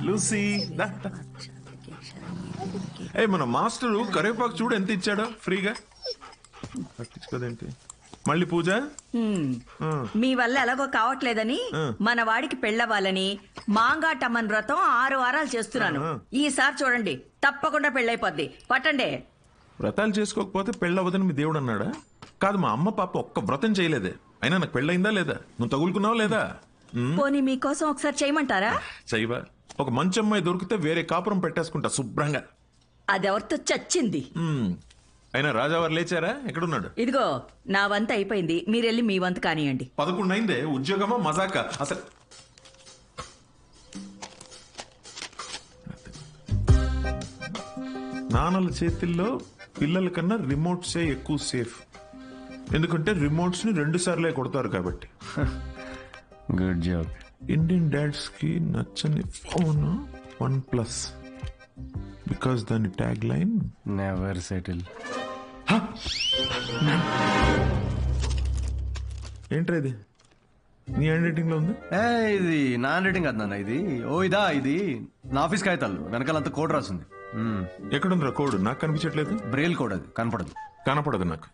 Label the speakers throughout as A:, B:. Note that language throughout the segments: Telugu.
A: లూసీ దా, దా. ఏ మన మాస్టరు కరివేపాకు చూడు ఎంత ఇచ్చాడో ఫ్రీగా. పట్టించుకోదేంటి మళ్ళీ పూజ.
B: మీ వల్ల ఎలాగో కావట్లేదని మన వాడికి పెళ్ళవ్వాలని మాంగాటమ్మన్ వ్రతం 6 వారాలు చేస్తున్నాను. ఈసారి చూడండి తప్పకుండా పెళ్ళైపోద్ది. పట్టండి.
A: వ్రతాలు చేసుకోకపోతే పెళ్ళవదని మీ దేవుడు అన్నాడా? కాదు, మా అమ్మ పాప ఒక్క వ్రతం చేయలేదే. అయినా నాకు పెళ్ళయిందా లేదా? నువ్వు తగులుకున్నావా లేదా?
B: పోనీ మీకోసం ఒకసారి చేయమంటారా?
A: చెయ్యవా? ఒక మంచి అమ్మాయి దొరికితే వేరే కాపురం పెట్టేసుకుంటా శుభ్రంగా.
B: అదెవరితో చచ్చింది.
A: అయినా రాజావారు లేచారా? ఎక్కడున్నాడు?
B: ఇదిగో నా వంత అయిపోయింది, మీరెళ్ళి మీ వంత కానియండి.
A: 11 అయిందే. ఉద్యోగమా మజాక అసలు? నాన్నల చేతిల్లో పిల్లల కన్నా రిమోట్సే ఎక్కువ సేఫ్. ఎందుకంటే రిమోట్స్ ని 2 సార్లే కొడతారు కాబట్టి.
C: Good job.
A: ఇండియన్ డాడ్స్ కి నచ్చని ఫోన్ OnePlus. బికాస్ దాని ట్యాగ్ లైన్
C: నెవర్ సెటిల్.
A: ఏంట్రా ఇది? నీ హ్యాండ్ రైటింగ్ లో ఉంది.
C: ఇది నా హ్యాండ్ రైటింగ్ కాదు నాన్న, ఇది ఇది నా ఆఫీస్ కాగితాలు వెనకాలంతా కోడ్ రాసింది.
A: ఎక్కడుందిరా కోడ్? నాకు కనిపించట్లేదు.
C: బ్రెయిల్ కోడ్, అది
A: కనపడదు నాకు.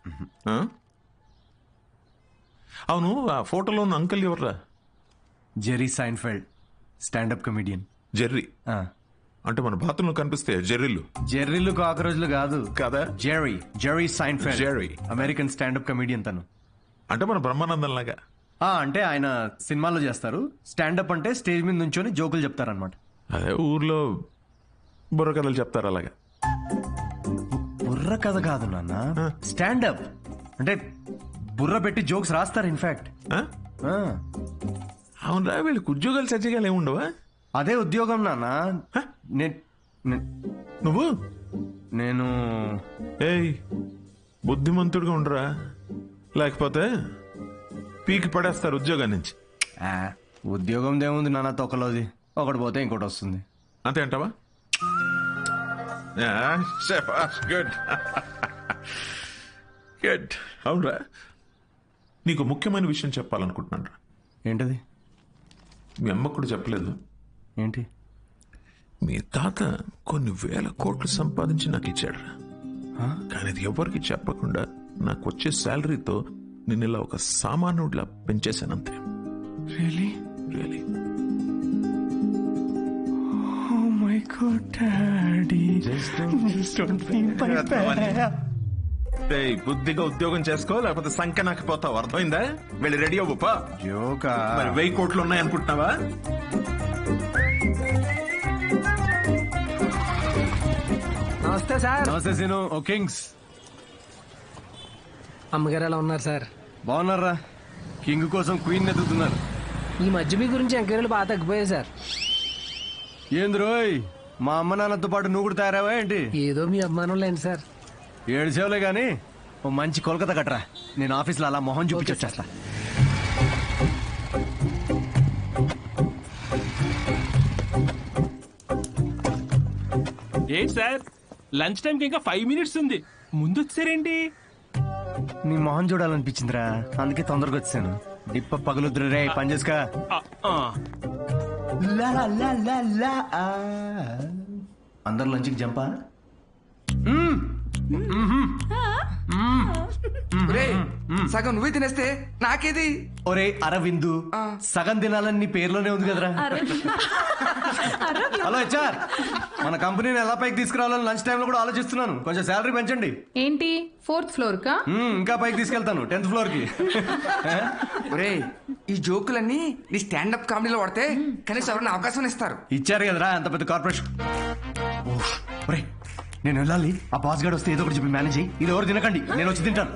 A: అవును, ఆ ఫోటోలో ఉన్న అంకుల్ ఎవర్రా?
C: Jerry Seinfeld, standup comedian.
A: Jerry అంటే మన బాత్రూంలో కనిపిస్తే జెర్రీలు.
C: జెర్రీలు కాకరోజులు కాదు
A: కదా.
C: Jerry Seinfeld,
A: Jerry
C: American standup comedian తను.
A: అంటే మన బ్రహ్మానందం లాగా.
C: అంటే ఆయన సినిమాల్లో చేస్తారు. స్టాండప్ అంటే స్టేజ్ మీద నుంచొని జోకులు చెప్తారనమాట.
A: అదే ఊర్లో బుర్ర కథలు చెప్తారు అలాగా.
C: బుర్ర కథ కాదు నాన్న, స్టాండప్ అంటే బుర్ర పెట్టి జోక్స్ రాస్తారు. ఇన్ఫాక్ట్
A: అవునరా, వీళ్ళకి ఉద్యోగాలు సజ్జగాలు ఏముండవా?
C: అదే ఉద్యోగం నాన్న.
A: నువ్వు
C: నేను
A: ఏయ్ బుద్ధిమంతుడిగా ఉండరా, లేకపోతే పీకి పడేస్తారు ఉద్యోగం నుంచి.
C: ఉద్యోగం దేముంది నాన్న, తొక్కలోది. ఒకటి పోతే ఇంకోటి వస్తుంది.
A: అంతే అంటావా? Good good. అవునరా, నీకు ముఖ్యమైన విషయం చెప్పాలనుకుంటున్నాను రా.
C: ఏంటది?
A: మీ అమ్మకు కూడా చెప్పలేదు.
C: ఏంటి?
A: మీ తాత కొన్ని వేల కోట్లు సంపాదించి నాకు ఇచ్చాడు. కానీ అది ఎవరికి చెప్పకుండా నాకు వచ్చే శాలరీతో నేను ఇలా ఒక సామాన్యుడిలా పెంచేశానంతే.
C: Really
A: really.
C: Oh my god daddy,
A: బుద్ధిగా ఉద్యోగం చేసుకో, లేకపోతే సంఖ్య నాకు పోతావు. అర్థమైందా? వెళ్ళి రెడీ అవ్వపా.
C: జోకా?
A: మరి 1000 కోట్లు ఉన్నాయి అనుకుంటున్నావా?
D: నమస్తే సార్.
C: నమస్తే సీను. ఓ కింగ్స్.
D: అమ్మగారు ఎలా ఉన్నారు సార్?
C: బాగున్నారా? కింగ్ కోసం క్వీన్ ఎదుగుతున్నారు.
D: ఈ మధ్య మీ గురించి ఎంక్వైరీలు బాగా తగ్గిపోయాయి సార్.
C: ఏంది రోయ్, మా అమ్మ నాన్నతో పాటు నువ్వు కూడా తయారావా ఏంటి?
D: ఏదో మీ అభిమానం లేండి సార్.
C: 7 సేవలే గానీ ఓ మంచి కోల్కతా కట్టరా, నేను ఆఫీస్లో అలా మొహం చూపించొచ్చేస్తా.
E: ఏంటి సార్, లంచ్ టైంకి ఇంకా 5 మినిట్స్ ఉంది, ముందు వచ్చారేంటి?
C: నీ మొహం చూడాలనిపించిందిరా, అందుకే తొందరగా వచ్చాను. డిప్ప పగలుద్దురు రే, పని చేసుకా. అందరు లంచ్కి జంపా.
F: సగం నువ్వే తినేస్తే నాకేది?
C: ఒరే అరవిందు, సగం తినాలని నీ పేర్లోనే ఉంది కదరా. హలో హెచ్ఆర్, మన కంపెనీని ఎలా పైకి తీసుకురావాలని లంచ్ టైంలో కూడా ఆలోచిస్తున్నాను. కొంచెం శాలరీ పెంచండి.
G: ఏంటి 4th ఫ్లోర్ కా?
C: ఇంకా పైకి తీసుకెళ్తాను, 10th ఫ్లోర్ కి.
F: ఒరే, ఈ జోకులన్నీ నీ స్టాండప్ కామెడీలో వాడితే కనీసం ఎవరైనా అవకాశం ఇస్తారు.
C: ఇచ్చారు కదరా అంత పెద్ద కార్పొరేషన్. ఒరే నేను వెళ్ళాలి, ఆ బాస్ గార్డ్ వస్తే ఏదో ఒకటి చెప్పి మేనేజ్ అయ్యి. ఇది ఎవరు తినకండి, నేను వచ్చి తింటాను.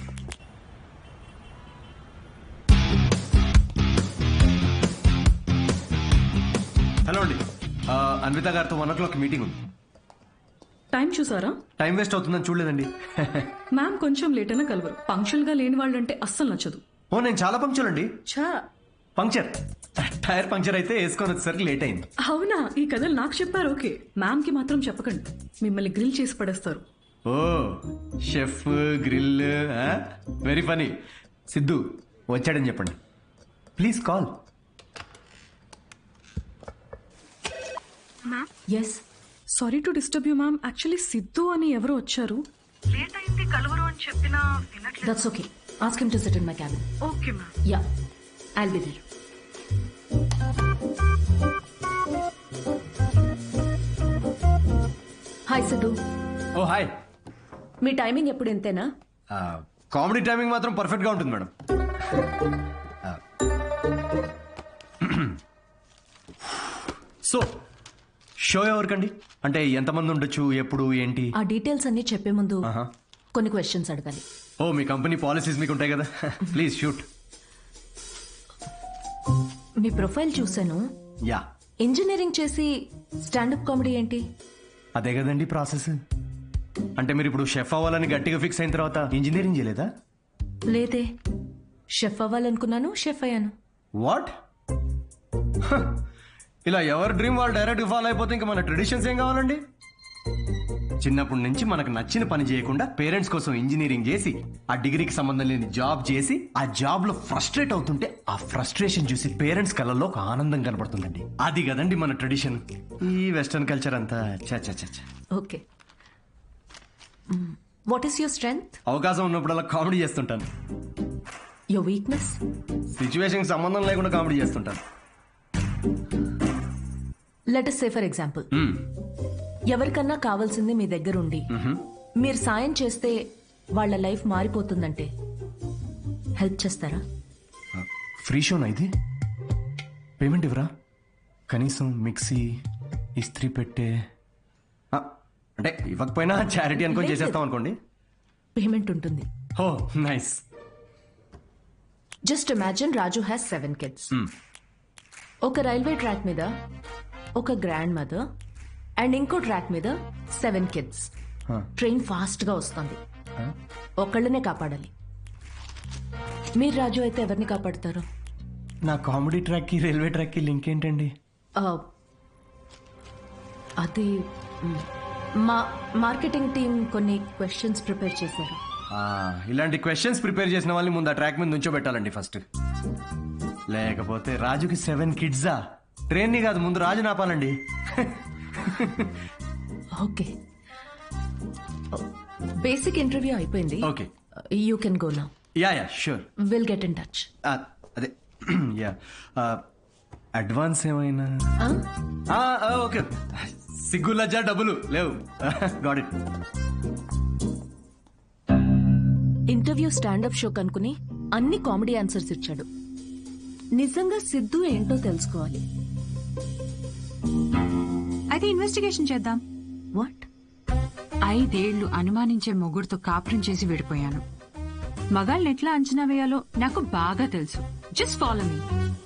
C: హలో అండి, అన్విత గారితో 1 o'clock మీటింగ్ ఉంది.
H: టైం చూసారా?
C: టైం వేస్ట్ అవుతుందని చూడలేదండి.
H: మ్యామ్ కొంచెం లేట్ అయినా కలవరు. పంక్చువల్ గా లేని వాళ్ళంటే అస్సలు నచ్చదు.
C: ఓ నేను చాలా పంక్చువల్ అండి.
H: ఛా,
C: పంక్చర్, టైర్ పంక్చర్ అయితే వేసుకొని వచ్చేసరికి లేట్ అయింది.
H: అవునా? ఈ కథలు నాకు చెప్పారు. ఓకే, మ్యామ్ కి మాత్రం చెప్పకండి, మిమ్మల్ని గ్రిల్ చేసి పడేస్తారు.
C: Oh chef grill, very funny. Siddhu వచ్చాడని చెప్పండి, please call.
H: Yes sorry to disturb you ma'am. Actually Siddhu అని ఎవరు వచ్చారు.
G: That's okay. Ask him to sit in my cabin.
H: Okay ma'am.
G: Yeah, I'll be there. Hi Siddhu.
C: Oh hi.
G: మీ టైమింగ్ ఎప్పుడు ఇంతేనా?
C: కామెడీ టైమింగ్ మాత్రం పర్ఫెక్ట్ గా ఉంటుంది మేడం. సో షో ఎవరికండి? అంటే ఎంతమంది ఉండొచ్చు, ఎప్పుడు, ఏంటి?
G: ఆ డీటెయిల్స్ అన్ని చెప్పే ముందు
C: ఆహా.
G: కొన్ని క్వశ్చన్స్ అడగాలి.
C: ఓ మీ కంపెనీ పాలసీస్ మీకు ఉంటాయి కదా. Please shoot.
G: మీ ప్రొఫైల్ చూశాను.
C: యా,
G: ఇంజనీరింగ్ చేసి స్టాండప్ కామెడీ ఏంటి?
C: అదే కదండి ప్రాసెస్. అంటే మీరు ఇప్పుడు షెఫ్ అవ్వాలని గట్టిగా ఫిక్స్ అయిన తర్వాత ఇంజనీరింగ్ చేయలేదా?
G: లేదే, షెఫ్ అవ్వాలనుకున్నాను, షెఫ్ అయ్యాను.
C: వాట్? ఇలా ఎవరి డ్రీమ్ వాళ్ళు డైరెక్ట్ ఫాలో అయిపోతే ఇంకా మన ట్రెడిషన్స్ ఏం కావాలండి? చిన్నప్పటి నుంచి మనకు నచ్చిన పని చేయకుండా పేరెంట్స్ కోసం ఇంజనీరింగ్ చేసి ఆ డిగ్రీకి సంబంధం లేని జాబ్ చేసి ఆ జాబ్ లో ఫ్రస్ట్రేట్ అవుతుంటే ఆ ఫ్రస్ట్రేషన్ చూసి పేరెంట్స్ కళ్ళల్లో ఒక ఆనందం కనపడుతుందండి. అది కదండి మన ట్రెడిషన్. ఈ వెస్టర్న్ కల్చర్ అంతా చా.
G: Okay, what is your strength?
C: అవకాశం ఉన్నప్పుడల్లా కామెడీ చేస్తుంటాను.
G: Your weakness?
C: సిచ్యువేషన్ సంబంధం లేకుండా కామెడీ చేస్తుంటాను.
G: Let us say for example, ఎవరికన్నా కావాల్సింది మీ దగ్గర ఉండి మీరు సాయం చేస్తే వాళ్ళ లైఫ్ మారిపోతుందంటే హెల్ప్ చేస్తారా?
C: ఫ్రీ షోనా ఇది? పేమెంట్ ఇవ్వరా? కనీసం మిక్సీ, ఇస్త్రీ పెట్టే అంటే ఇవ్వకపోయినా చారిటీ అనుకొని చేసేస్తాం అనుకోండి.
G: పేమెంట్ ఉంటుంది.
C: Oh nice.
G: Just imagine Raju has 7 kids. ఒక రైల్వే ట్రాక్ మీద ఒక గ్రాండ్ మదర్ అండ్ ఇంకో ట్రాక్ మీద 7 kids. ట్రైన్ ఫాస్ట్ గా వస్తుంది, ఒకళ్ళనే కాపాడాలి. మీరు రాజు అయితే ఎవరిని కాపాడతారు?
C: నా కామెడీ ట్రాక్ కి రైల్వే ట్రాక్ కి లింక్ ఏంటండి?
G: అది మా మార్కెటింగ్ టీం కొన్ని క్వశ్చన్స్ ప్రిపేర్ చేశారు.
C: ఇలాంటి క్వశ్చన్స్ ప్రిపేర్ చేసిన వాళ్ళని ముందు ఆ ట్రాక్ మీద నుంచోబెట్టాలండి ఫస్ట్. లేకపోతే రాజుకి 7 kidsా? ట్రైన్ ని కాదు, ముందు రాజు నాపాలండి.
G: ఓకే, బేసిక్ ఇంటర్వ్యూ అయిపోయింది.
C: Okay,
G: you can go now.
C: Yeah sure.
G: Will get in touch.
C: అదే యా. అడ్వాన్స్ ఏమైనా? ఓకే, సిగ్గు లజ్జా డబ్బులు లేవు. Got it.
G: Interview standup show కనుకుని అన్ని కామెడీ ఆన్సర్స్ ఇచ్చాడు. నిజంగా సిద్ధు ఏంటో తెలుసుకోవాలి.
I: అయితే ఇన్వెస్టిగేషన్ చేద్దాం.
G: వాట్?
I: 5 ఏళ్లు అనుమానించే మొగుడుతో కాపురం చేసి విడిపోయాను. మగాళ్ళని ఎట్లా అంచనా వేయాలో నాకు బాగా తెలుసు. Just follow me.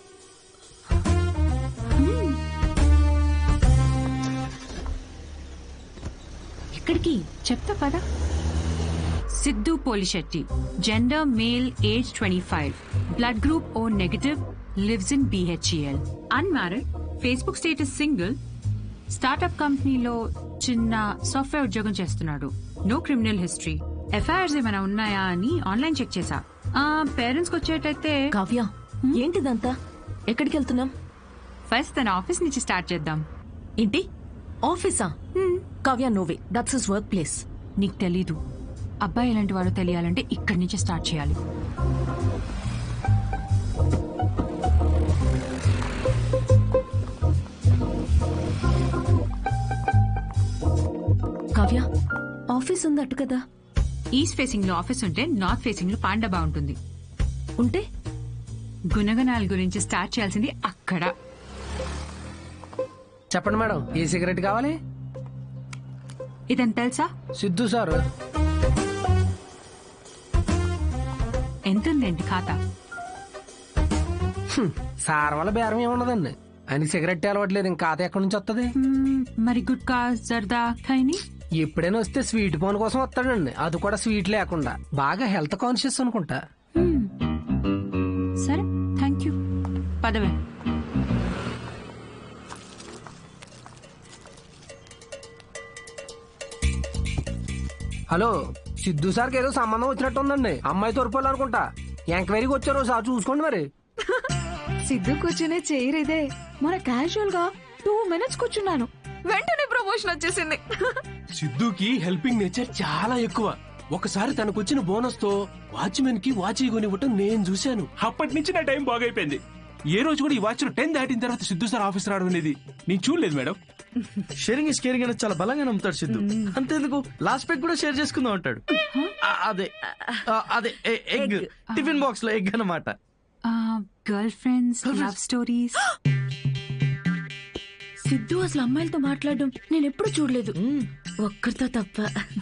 G: ఎక్కడికి?
I: చెప్తా పదా. Siddhu Polishetty, gender male, age 25, blood group O negative, lives in BHEL, unmarried, Facebook status single, startup కంపెనీలో చిన్న సాఫ్ట్వేర్ ఉద్యోగం చేస్తున్నాడు. No criminal history. ఎఫ్ఐఆర్స్ ఏమైనా ఉన్నాయా అని ఆన్లైన్ చెక్ చేశా. పేరెంట్స్ కి వచ్చేటైతే.
G: కావ్య, ఏంటిదంతా? ఎక్కడికి వెళ్తున్నాం?
I: ఫస్ట్ తన ఆఫీస్ నుంచి స్టార్ట్ చేద్దాం.
G: ఏంటి ఆఫీసా? Kavya, no way, that's his work place.
I: నీకు తెలీదు, అబ్బాయి ఎలాంటి వాడో తెలియాలంటే ఇక్కడి నుంచి స్టార్ట్ చేయాలి.
G: కావ్య, ఆఫీస్ ఉంది అటు కదా.
I: ఈస్ట్ ఫేసింగ్ లో ఆఫీస్ ఉంటే నార్త్ ఫేసింగ్ లో పాండా బాగుంటుంది.
G: ఉంటే
I: గుణగణాల గురించి స్టార్ట్ చేయాల్సింది అక్కడ.
D: చెప్పండి మేడం, ఏ సిగరెట్ కావాలి?
I: ఇదని తెలుసా?
D: సిద్ధు సార్.
I: ఎంతుందేంటి ఖాతా?
D: సార్ వల్ల బేరం ఏమున్నదండి, ఆయనకి సిగరెట్ అలవట్లేదు, ఇంకా ఖాతా ఎక్కడి నుంచి వస్తుంది?
I: మరి గుట్కా, జర్దా, ఖైని?
D: ఎప్పుడైనా వస్తే స్వీట్ పోన్ కోసం వస్తాడండి, అది కూడా స్వీట్ లేకుండా. బాగా హెల్త్ కాన్షియస్ అనుకుంటా.
I: సరే, థ్యాంక్ యూ. పదవే.
D: హలో, సిద్ధు సార్కి ఏదో సంబంధం వచ్చినట్టు ఉందండి. అమ్మాయి తోరుకోవాలనుకుంటా. ఎంక్వైరీకి వచ్చారు, సార్ చూసుకోండి మరి.
H: సిద్ధు కూర్చునే చైర్ ఇదే. మన క్యాజువల్ గా 2 minutes కూర్చున్నాను.
G: వెంటనే ప్రమోషన్ వచ్చేసింది.
E: సిద్ధుకి హెల్పింగ్ నేచర్ చాలా ఎక్కువ. ఒకసారి తనకు వచ్చిన బోనస్ తో వాచ్మెన్ కి వాచ్ కొనివ్వటం నేను చూశాను. అప్పటి నుంచి నా టైం బాగైపోయింది. ఏ రోజు కూడా ఈ వాచ్ 10 దాటిన తర్వాత సిద్ధు సార్ ఆఫీస్ రావడం అనేది నేను చూడలేదు మేడం.
J: షేరింగ్ ఇస్ కేరింగ్ అనేది చాలా బలంగా నమ్ముతాడు సిద్ధు. అంతేందుకు లాస్ట్ పెగ్ కూడా షేర్ చేసుకుందాం అంటాడు. అదే అదే ఎగ్, టిఫిన్ బాక్స్ లో ఎగ్ అన్నమాట.
I: Girlfriends, love stories.
H: Siddhu అసలు అమ్మాయిలతో మాట్లాడడం నేను ఎప్పుడు చూడలేదు, ఒక్కరితో తప్ప.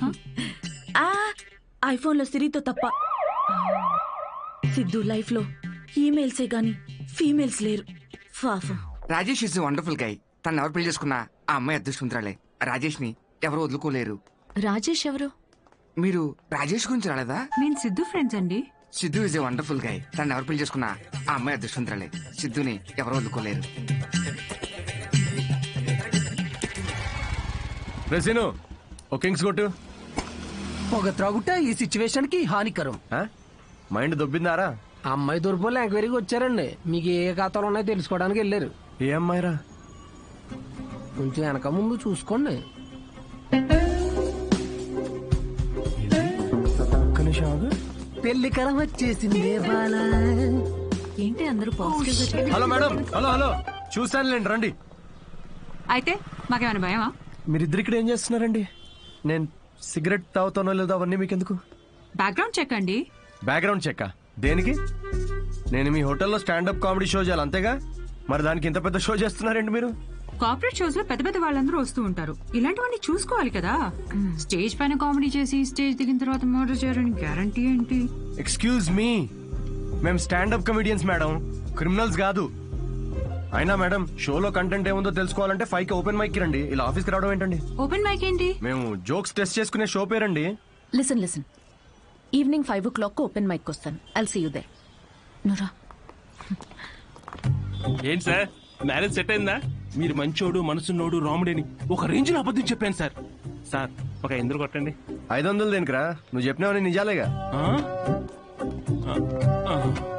H: ఐఫోన్ లో సిరితో తప్ప. సిద్ధు లైఫ్ లో ఈమెయిల్సే గాని ఫీమేల్స్ లేరు. పాపం.
F: Rajesh is wonderful guy. తను ఎవరు పెళ్లి చేసుకున్నా ఆ అమ్మాయి అదృష్టవంతురాలే. రాజేష్ ని ఎవరు వదులుకోలేరు.
G: రాజేష్ ఎవరు?
F: మీరు రాజేష్ గురించి రాలేదా?
I: మేము సిద్ధు ఫ్రెండ్స్ అండి.
F: Siddhu is a wonderful guy. తను ఎవరు పెళ్లి చేసుకున్నా ఆ అమ్మాయి అదృష్టవంతురాలే. సిద్ధుని ఎవరు వదులుకోలేరు.
C: రెసిను ఓ కింగ్స్ కొట్టు.
D: పొగ త్రాగుట ఈ సిచ్యువేషన్ కి హానికరం.
C: మైండ్ దొబ్బిందారా?
D: అమ్మాయి తూర్పులో ఎంక్వైరీకి వచ్చారండి. మీకు ఏ ఖాతాలు ఉన్నాయో తెలుసుకోవడానికి వెళ్ళారు.
C: ఏ అమ్మాయిరా?
D: కొంచెం వెనక ముందు చూసుకోండి. పెళ్లికరం వచ్చేసింది బాల.
I: ఏంటి అందరూ పాజిటివ్ గా?
C: Hello madam. హలో చూసానులేండి, రండి.
I: అయితే మాకేమైనా భయమా?
C: మీరిద్దరు ఇక్కడ ఏం చేస్తున్నారండి? నేను సిగరెట్ తాగుతానో లేదో అవన్నీ మీకెందుకు?
I: బ్యాక్గ్రౌండ్ చెక్ అండి.
C: బ్యాక్గ్రౌండ్ చెక్ దేనికి? నేను మీ హోటల్లో స్టాండప్ కామెడీ షో చేయాలి అంతేగా? మరి దానికి ఇంత పెద్ద షో చేస్తున్నారండి మీరు?
I: కార్పొరేట్ షోస్ లో పెద్ద పెద్ద వాళ్ళందరూ వస్తూ ఉంటారు. ఇలాంటివన్నీ చూసుకోవాలి కదా. స్టేజ్ పైన కామెడీ చేసి స్టేజ్ దిగిన తర్వాత మర్డర్ చేయడానికి గ్యారంటీ ఏంటి?
C: ఎక్స్క్యూజ్ మీ, మేము స్టాండప్ కమెడియన్స్ మేడం, క్రిమినల్స్ కాదు. అయినా మేడం, షోలో కంటెంట్ ఏముందో తెలుసుకోవాలంటే 5కి ఓపెన్ మైక్ కి రండి. ఇలా ఆఫీస్కి రావడం ఏంటండి?
I: ఓపెన్ మైక్ ఏంటి?
C: మేము జోక్స్ టెస్ట్ చేసుకునే షో పేరండి.
G: Listen evening 5 o'clock open mic వస్తాను. I'll see you there. నురా
E: ఏంటి సార్, మ్యారేజ్ సెట్ అయిందా? మీరు మంచోడు, మనసున్నోడు, రాముడేని ఒక రేంజ్ లో అబద్ధం చెప్పాను సార్. సార్ ఒక 500 కొట్టండి.
C: 500 దేనికిరా? నువ్వు చెప్పినావని నిజాలేగా.
E: ఆ?